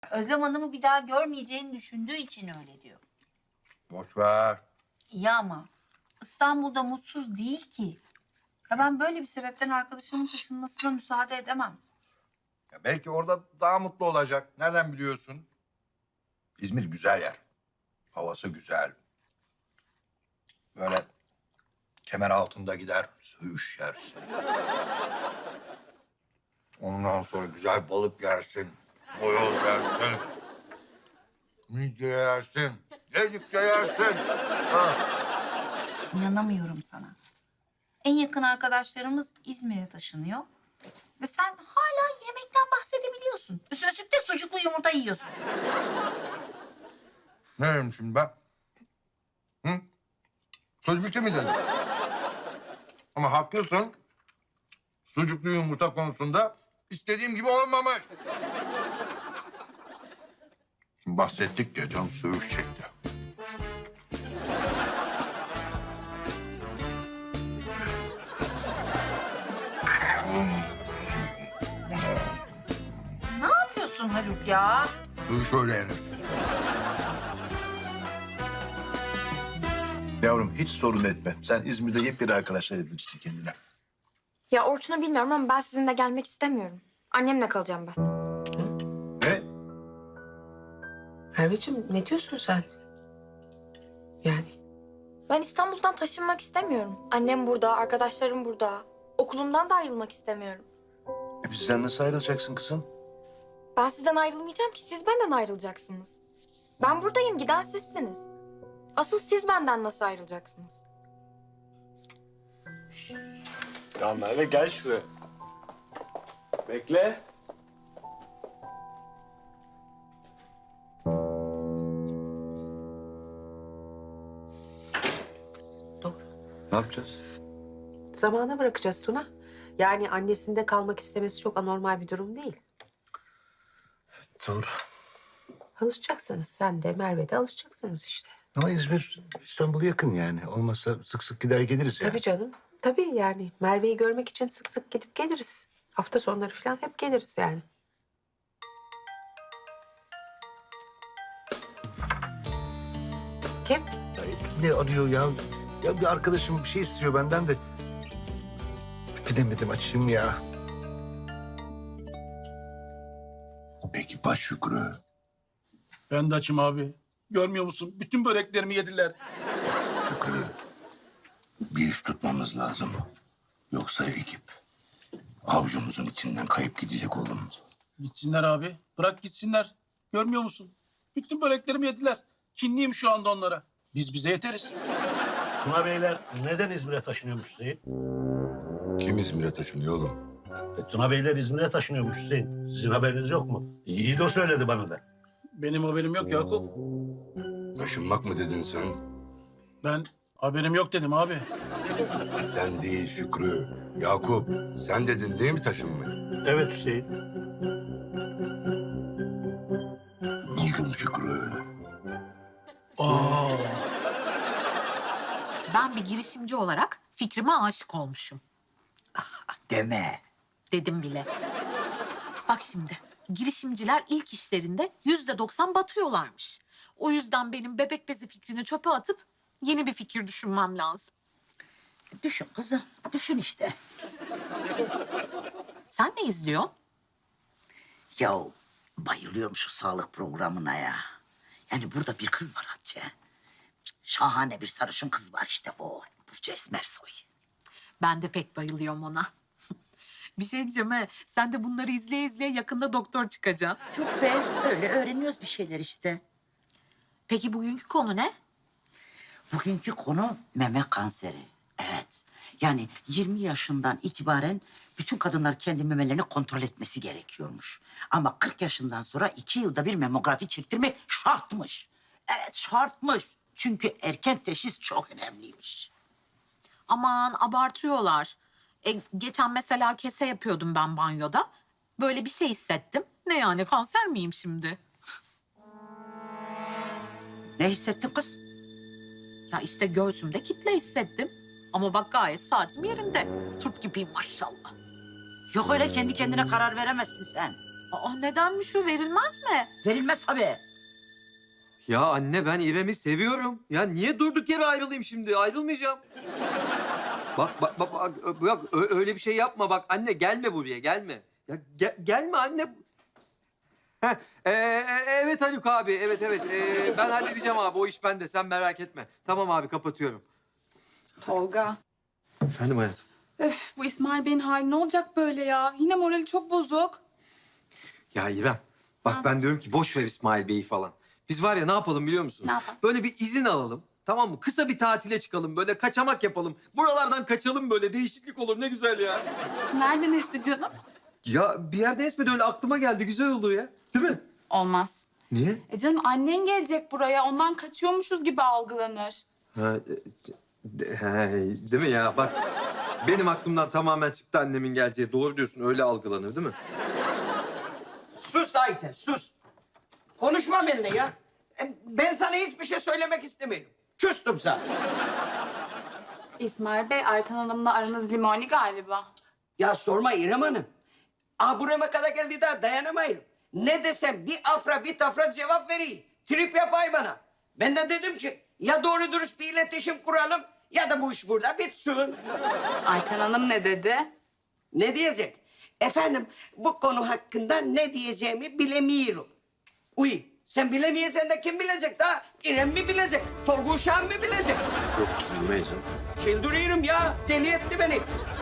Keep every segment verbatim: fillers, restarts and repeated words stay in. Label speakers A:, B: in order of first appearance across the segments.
A: Özlem Hanım'ı bir daha görmeyeceğini düşündüğü için öyle diyor.
B: Boş ver.
A: İyi ama İstanbul'da mutsuz değil ki. Ya ben böyle bir sebepten arkadaşımın taşınmasına müsaade edemem.
B: Ya belki orada daha mutlu olacak. Nereden biliyorsun? İzmir güzel yer. Havası güzel. Böyle kemer altında gider, söğüş yersin. Ondan sonra güzel balık yersin. Boyoz yersin. Midye yersin. Yedikçe yersin. Ha.
A: İnanamıyorum sana. En yakın arkadaşlarımız İzmir'e taşınıyor. Ve sen hala yemekten bahsedebiliyorsun. Üstüne üstlük de sucuklu yumurta yiyorsun.
B: Ne dedim şimdi ben? Hı? Söz bitti mi dedim? Ama haklısın. Sucuklu yumurta konusunda istediğim gibi olmamış. Şimdi bahsettik ya, can söğüş çekti.
A: Ne yapıyorsun Haluk ya?
B: Söğüş öyle yenir.
C: Yavrum hiç sorun etme. Sen İzmir'de yepyeni arkadaşlar edinirsin kendine.
D: Ya Orçun'u bilmiyorum ama ben sizinle gelmek istemiyorum. Annemle kalacağım ben.
C: Ne?
E: Merveciğim ne diyorsun sen? Yani
D: Ben İstanbul'dan taşınmak istemiyorum. Annem burada, arkadaşlarım burada. Okulumdan da ayrılmak istemiyorum.
C: E bizden nasıl ayrılacaksın kızım?
D: Ben sizden ayrılmayacağım ki siz benden ayrılacaksınız. Ben buradayım, giden sizsiniz. Asıl siz benden nasıl ayrılacaksınız?
F: Ya Merve gel şuraya. Bekle.
E: doğru.
C: Ne yapacağız?
E: Zamana bırakacağız Tuna. Yani annesinde kalmak istemesi çok anormal bir durum değil.
C: Doğru.
E: Alışacaksınız. Sen de Merve de alışacaksınız işte.
C: Ama İzmir İstanbul'a yakın yani. Olmazsa sık sık gider geliriz yani.
E: Tabii canım. Tabii yani Merve'yi görmek için sık sık gidip geliriz. Hafta sonları falan hep geliriz yani. Kim?
C: Ya ne arıyor ya? Ya bir arkadaşım bir şey istiyor benden de. Bilemedim açayım ya.
B: Peki baş Şükrü.
G: Ben de açım abi. Görmüyor musun? Bütün böreklerimi yediler.
B: Şükrü. Bir iş tutmamız lazım. Yoksa ekip avucumuzun içinden kayıp gidecek oğlum.
G: Gitsinler abi. Bırak gitsinler. Görmüyor musun? Bütün böreklerimi yediler. Kinliyim şu anda onlara. Biz bize yeteriz.
H: Tuna Beyler neden İzmir'e taşınıyormuş Hüseyin?
B: Kim İzmir'e taşınıyor oğlum?
H: E, Tuna Beyler İzmir'e taşınıyormuş Hüseyin. Sizin haberiniz yok mu? İyi o söyledi bana da.
G: Benim haberim yok Yakup.
B: Taşınmak mı dedin sen?
G: Ben haberim yok dedim abi.
B: Sen değil Şükrü. Yakup, sen dedin değil mi taşınmayı?
H: Evet Hüseyin.
B: Buldum Şükrü.
G: Aa,
I: Ben bir girişimci olarak fikrime aşık olmuşum.
J: Deme.
I: Dedim bile. Bak şimdi, girişimciler ilk işlerinde yüzde doksan batıyorlarmış. O yüzden benim bebek bezi fikrini çöpe atıp yeni bir fikir düşünmem lazım.
J: Düşün kızım, düşün işte.
I: Sen ne izliyorsun?
J: Ya bayılıyorum şu sağlık programına ya. Yani burada bir kız var Hatice. Şahane bir sarışın kız var işte o. Burcu Esmersoy.
I: Ben de pek bayılıyorum ona. Bir şey diyeceğim he, sen de bunları izleye izleye yakında doktor çıkacaksın.
J: Yok be, öyle öğreniyoruz bir şeyler işte.
I: Peki bugünkü konu ne?
J: Bugünkü konu meme kanseri. Evet. Yani yirmi yaşından itibaren bütün kadınlar kendi memelerini kontrol etmesi gerekiyormuş. Ama kırk yaşından sonra iki yılda bir memografi çektirmek şartmış. Evet şartmış. Çünkü erken teşhis çok önemliymiş.
I: Aman abartıyorlar. E, geçen mesela kese yapıyordum ben banyoda. Böyle bir şey hissettim. Ne yani kanser miyim şimdi?
J: Ne hissettin kız?
I: Ya işte göğsümde kitle hissettim. Ama bak gayet saatim yerinde. Turp gibiyim maşallah.
J: Yok öyle kendi kendine karar veremezsin sen.
I: Aa, nedenmiş o? Verilmez mi?
J: Verilmez tabii.
K: Ya anne ben İrem'i seviyorum. Ya niye durduk yere ayrılayım şimdi? Ayrılmayacağım. Bak bak bak, bak ö- bak, ö- öyle bir şey yapma bak anne gelme buraya gelme. Ya ge- gelme anne. Heh, e, e, evet Haluk abi evet evet E, ben halledeceğim abi o iş bende sen merak etme. Tamam abi kapatıyorum.
L: Tolga.
K: Efendim hayatım.
L: Öf, bu İsmail Bey'in hali ne olacak böyle ya? Yine morali çok bozuk.
K: Ya İrem bak ben diyorum ki boş ver İsmail Bey'i falan. Biz var ya ne yapalım biliyor musun?
L: Ne yapalım?
K: Böyle bir izin alalım. Tamam mı? Kısa bir tatile çıkalım. Böyle kaçamak yapalım. Buralardan kaçalım böyle. Değişiklik olur. Ne güzel ya.
L: Nereden esti canım?
K: Ya bir yerde esmedi öyle aklıma geldi. Güzel olur ya. Değil mi?
L: Olmaz.
K: Niye?
L: E canım annen gelecek buraya. Ondan kaçıyormuşuz gibi algılanır.
K: Ha, e, de- he, değil mi ya? Bak benim aklımdan tamamen çıktı annemin geleceği. Doğru diyorsun. Öyle algılanır değil mi?
M: Sus Ayten, sus. Konuşma benimle ya. E, Ben sana hiçbir şey söylemek istemiyorum. Küstüm sana.
L: İsmail Bey, Ayten Hanım'la aranız limoni galiba.
M: Ya sorma İrem Hanım. Ah burama kadar geldi daha dayanamayırım. Ne desem bir afra bir tafra cevap vereyim. Trip yapay bana. Ben de dedim ki ya doğru dürüst bir iletişim kuralım ya da bu iş burada bitsin.
L: Ayten Hanım ne dedi?
M: Ne diyecek? Efendim bu konu hakkında ne diyeceğimi bilemiyorum. Uy sen bilemeyeceksin de kim bilecek daha? İrem mi bilecek? Torgun Şahan mı bilecek?
K: Yok bilmeyiz.
M: Çıldırıyorum ya. Deli etti beni.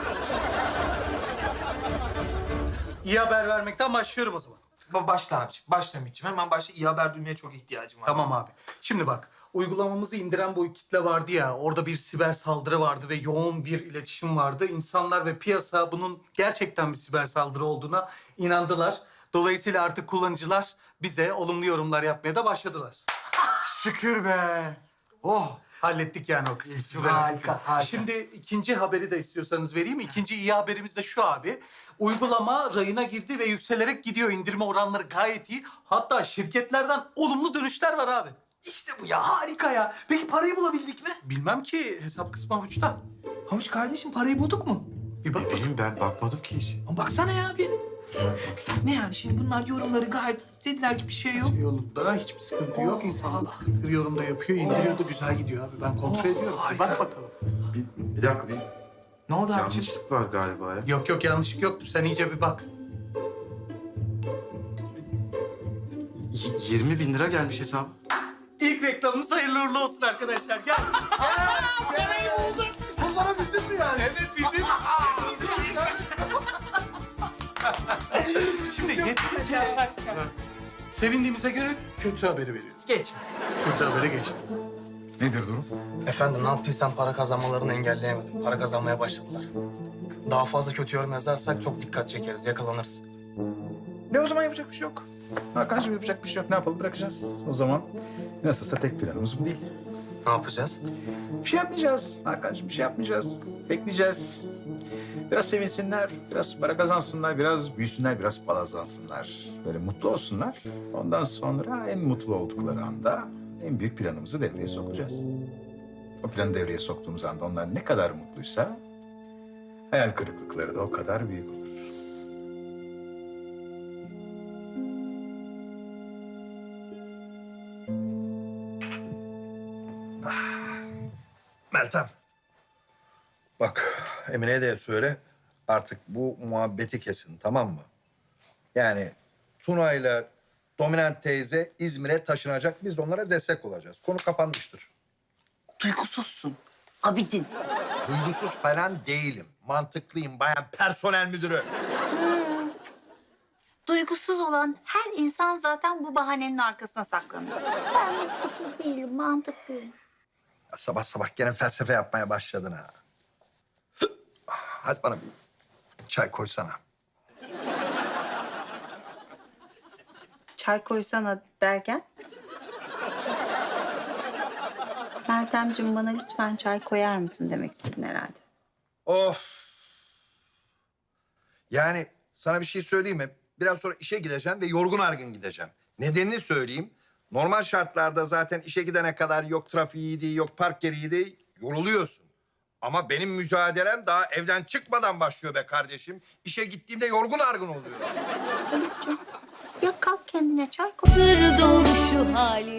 G: İyi haber vermekten başlıyorum o zaman.
F: Başla abiciğim. Başla Ümit'ciğim. Hemen başla. İyi haber duymaya çok ihtiyacım var.
G: Tamam abi. Şimdi bak, uygulamamızı indiren bu kitle vardı ya, orada bir siber saldırı vardı ve yoğun bir iletişim vardı. İnsanlar ve piyasa bunun gerçekten bir siber saldırı olduğuna inandılar. Dolayısıyla artık kullanıcılar bize olumlu yorumlar yapmaya da başladılar.
C: Şükür be. Oh.
G: Hallettik yani o kısmı. siz
F: Harika,
G: merak etmeyin.
F: harika.
G: Şimdi ikinci haberi de istiyorsanız vereyim. İkinci iyi haberimiz de şu abi. Uygulama rayına girdi ve yükselerek gidiyor. İndirme oranları gayet iyi. Hatta şirketlerden olumlu dönüşler var abi.
F: İşte bu ya. Harika ya. Peki parayı bulabildik mi?
G: Bilmem ki hesap kısmı avuçta.
F: Havuç kardeşim parayı bulduk mu?
G: Bir bak.
C: Bileyim ben bakmadım ki hiç.
F: Ama baksana ya bir. Ne yani şimdi bunlar yorumları gayet dediler ki bir şey yok.
G: Yolunda hiçbir sıkıntı yok. İnsanlar tıkır yorumda yapıyor, indiriyor da güzel gidiyor abi. Ben kontrol ediyorum. Bir
F: harika.
G: bak bakalım.
C: Bir, bir dakika bir
F: Ne oldu abiciğim?
C: yanlışlık var galiba ya.
G: Yok yok yanlışlık yoktur. Sen iyice bir bak.
C: Y- yirmi bin lira gelmiş hesap.
G: İlk reklamımız hayırlı uğurlu olsun arkadaşlar. Gel. Parayı buldum.
C: Bunlara bizim mi yani?
G: Evet bizim. Şimdi yeterince sevindiğimize göre kötü haberi veriyoruz.
F: Geç.
G: Kötü habere geçtim.
C: Nedir durum?
F: Efendim ne yaptıysam para kazanmalarını engelleyemedim. Para kazanmaya başladılar. Daha fazla kötü yorum yazarsak çok dikkat çekeriz, yakalanırız.
N: Ne o zaman yapacak bir şey yok. Hakan'cığım yapacak bir şey yok. Ne yapalım bırakacağız. O zaman nasılsa tek planımız bu değil.
F: Ne yapacağız?
N: Bir şey yapmayacağız Hakan'cığım bir şey yapmayacağız. Bekleyeceğiz. Biraz sevinsinler, biraz para kazansınlar, biraz büyüsünler, biraz palazlansınlar. Böyle mutlu olsunlar. Ondan sonra en mutlu oldukları anda en büyük planımızı devreye sokacağız. O planı devreye soktuğumuz anda onlar ne kadar mutluysa hayal kırıklıkları da o kadar büyük olur.
B: Meltem. Bak Emine'ye de söyle artık bu muhabbeti kesin tamam mı? Yani Tuna'yla Dominant teyze İzmir'e taşınacak. Biz de onlara destek olacağız. Konu kapanmıştır.
J: Duygusuzsun. Abidin.
B: Duygusuz falan değilim. Mantıklıyım bayan personel müdürü.
A: Duygusuz olan her insan zaten bu bahanenin arkasına saklanır. Ben duygusuz değilim, mantıklıyım.
B: Ya sabah sabah gene felsefe yapmaya başladın ha. Hadi bana bir çay koysana.
A: Çay koysana derken? Meltemciğim bana lütfen çay koyar mısın demek istedin herhalde.
B: Of. Yani sana bir şey söyleyeyim mi? Biraz sonra işe gideceğim ve yorgun argın gideceğim. Nedenini söyleyeyim. Normal şartlarda zaten işe gidene kadar yok trafiğiydi, yok park yeriydi, yoruluyorsun. Ama benim mücadelem daha evden çıkmadan başlıyor be kardeşim. İşe gittiğimde yorgun argın oluyor.
A: Haluk'cum ya kalk kendine çay koy.
O: Sır dolu şu hali